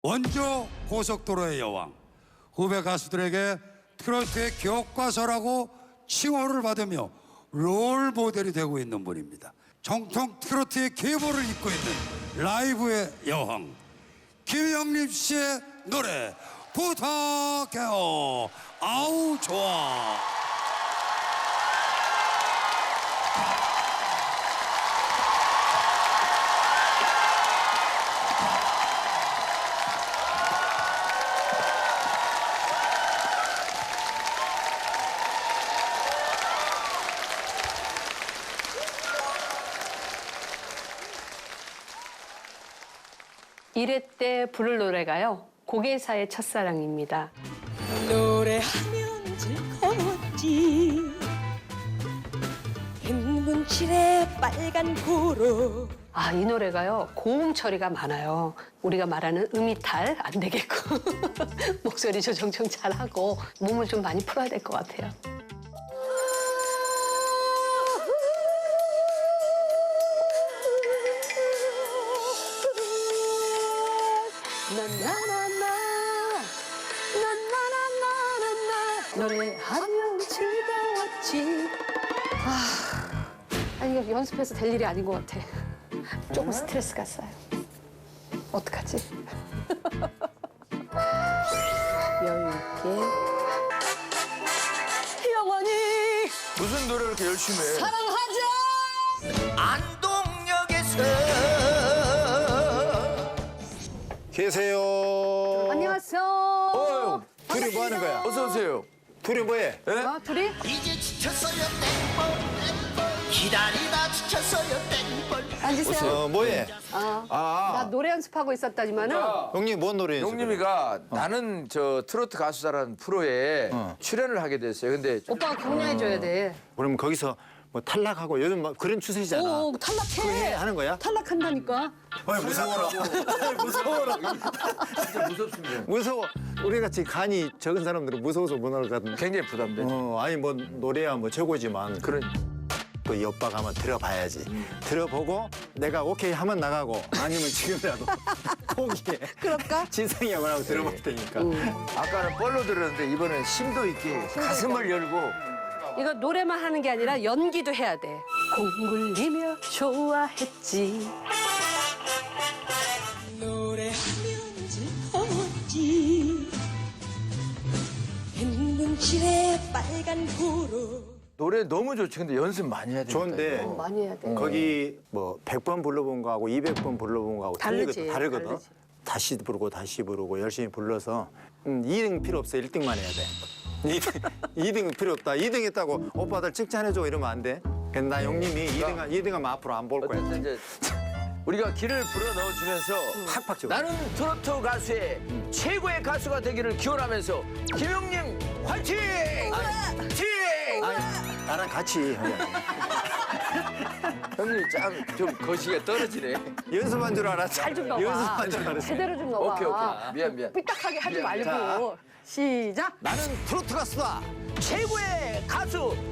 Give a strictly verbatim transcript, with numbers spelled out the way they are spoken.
원조 고속도로의 여왕, 후배 가수들에게 트로트의 교과서라고 칭호를 받으며 롤 모델이 되고 있는 분입니다. 정통 트로트의 계보를 잇고 있는 라이브의 여왕 김영림 씨의 노래 부탁해요. 아우 좋아. 일 회 때 부를 노래가요. 고개사의 첫사랑입니다. 노래하면 즐거웠지 흰 칠에 빨간 구로. 아, 이 노래가요. 고음 처리가 많아요. 우리가 말하는 음이탈 안 되겠고 목소리 조정 좀 잘하고 몸을 좀 많이 풀어야 될 것 같아요. 나나나나 나나나나나 노래하면 즐거웠지. 아, 아니 이거 연습해서 될 일이 아닌 것 같아. 조금 스트레스가 쌓여. 어떡하지? 여유 있게. 영원히 무슨 노래를 이렇게 열심히 해? 사랑하자. 안동역에서 계세요. 안녕하세요. 어휴, 둘이 뭐 하는 거야? 어서 오세요. 둘이 뭐해? 예? 어, 둘이? 이제 지쳤어요 땡벌 기다리다 지쳤어요 땡벌 앉으세요. 어, 뭐해? 어. 아, 나 노래 연습하고 있었다지만은 형님 뭔 노래 연습해? 용님이가 나는 저 트로트 가수다라는 프로에 어. 출연을 하게 됐어요. 근데 오빠가 격려해줘야 돼. 그럼 거기서 뭐 탈락하고 요즘 막 그런 추세잖아. 오, 탈락해. 하는 거야? 탈락한다니까. 어이, 무서워라. 무서워라. 진짜 무섭습니다. 무서워. 우리 같이 간이 적은 사람들은 무서워서 못 나가거든. 굉장히 부담돼. 어, 아니 뭐 노래야 뭐 최고지만 그런 또 이 오빠가 한번 들어봐야지. 들어보고 내가 오케이 하면 나가고 아니면 지금이라도 포기해. 그럴까? 진상이 뭐라고 들어볼 테니까. 아까는 뻘로 들었는데 이번엔 심도 있게 가슴을 열고 이거 노래만 하는 게 아니라 연기도 해야 돼. 공굴리며 좋아했지. 노래하면 즐거웠지 흰 칠에 빨간 구로. 노래 너무 좋지. 근데 연습 많이 해야 되니까. 좋은데 이거. 많이 해야 돼. 거기 뭐 백 번 불러본 거하고 이백 번 불러본 거하고 다르지, 틀리거든, 다르거든. 다르지. 다시 부르고 다시 부르고 열심히 불러서 음, 이 등 필요 없어. 일 등만 해야 돼. 이 등 필요 없다. 이 등 했다고 오빠들 칭찬해줘 이러면 안 돼. 근데 나 형님이 이 등, 이 등 하면 앞으로 안 볼 거야. 어쨌든 이제 우리가 길을 불어 넣어주면서 팍팍 쳐. 나는 트로트 가수의 최고의 가수가 되기를 기원하면서 김영림 화이팅! 화이팅! 아니, 나랑 같이 하자. 형님 참 좀 거시기가 떨어지네. 연습한 줄 알았지. 잘 좀 넣어봐. 연습한 줄 알았어. 제대로 좀 넣어봐. 오케이 오케이 미안 미안. 삐딱하게 하지 미안. 말고. 시작. 나는 트로트 가수다. 최고의 가수